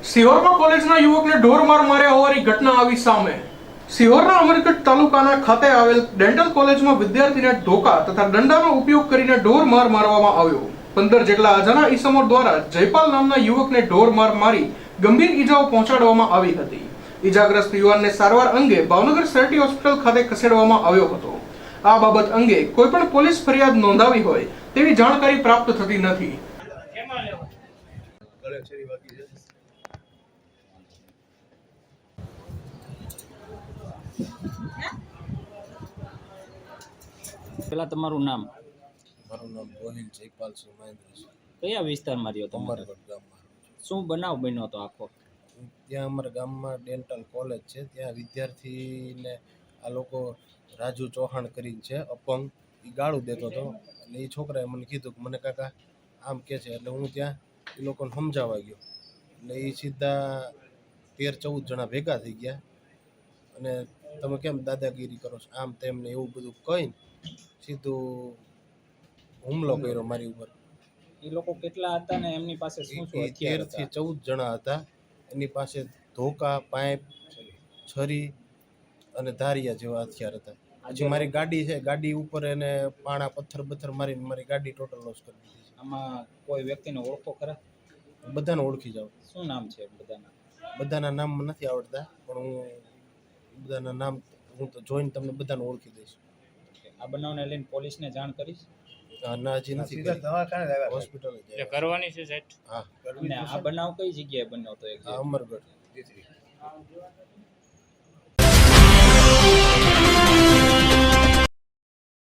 સિહોરમાં કોલેજના યુવકને ઢોર માર માર્યા હોવાની ઘટના આવી સામે। સિહોરના અમરગઢ તાલુકાના ખાતે આવેલ ડેન્ટલ કોલેજમાં વિદ્યાર્થીને ધોકા તથા દંડાનો ઉપયોગ કરીને ઢોર માર મારવામાં આવ્યો। 15 જેટલા અજાણા ઈસમો દ્વારા જયપાલ નામના યુવકને ઢોર માર મારી ગંભીર ઈજાઓ પહોંચાડવામાં આવી હતી। ઈજાગ્રસ્ત યુવાનને સારવાર અંગે ભાવનગર સિટી હોસ્પિટલ ખાતે ખસેડવામાં આવ્યો હતો। આ બાબત અંગે કોઈ પણ પોલીસ ફરિયાદ નોંધાવી હોય તેવી જાણકારી પ્રાપ્ત થતી નથી। પેલા તમારું નામ? મારું નામ ગોહિલ જયપાલ સિંહ મહેન્દ્ર છે। કયા વિસ્તારમાં રહ્યો તમારે? અમરગઢ ગામમાં શું બનાવ બન્યો હતો આખો? ત્યાં અમારા ગામમાં ડેન્ટલ કોલેજ છે, ત્યાં વિદ્યાર્થીને આ લોકો રાજુ ચૌહાણ કરીને છે અપંગ, એ ગાળું દેતો હતો। એટલે એ છોકરાએ મને કીધું કે મને કાકા આમ કે છે, એટલે હું ત્યાં એ લોકોને સમજાવવા ગયો। એટલે એ સીધા 13-14 જણા ભેગા થઈ ગયા અને તમે કેમ દાદાગીરી કરો છો આમ તેમને એવું બધું કહીને સીધું હુમલો કર્યો મારી ઉપર। એ લોકો કેટલા હતા ને એમની પાસે શું શું હથિયાર 13 થી હતા? 14 જણા હતા। એની પાસે ધોકા, પાઇપ, છરી અને ધારિયા જેવા હથિયાર હતા। આજે મારી ગાડી છે, ગાડી ઉપર એને પાણા પથ્થર મારીને મારી ગાડી ટોટલ લોસ કરી દીધી છે। આમાં કોઈ વ્યક્તિને ઓળખો ખરા? બધાને ઓળખી જાઉં। શું નામ છે બધાના? બધાના નામ મને નથી આવડતા, પણ હું બધાના નામ હું તો જોઈને તમને બધાને ઓળખી દઈશ। આ બનાવને લઈને પોલીસને જાણ કરીશ? ના, હજી નથી, હોસ્પિટલ કરવાની છે સાહેબ? હા, અને આ બનાવ કઈ જગ્યાએ બન્યો હતો? અમરગઢ।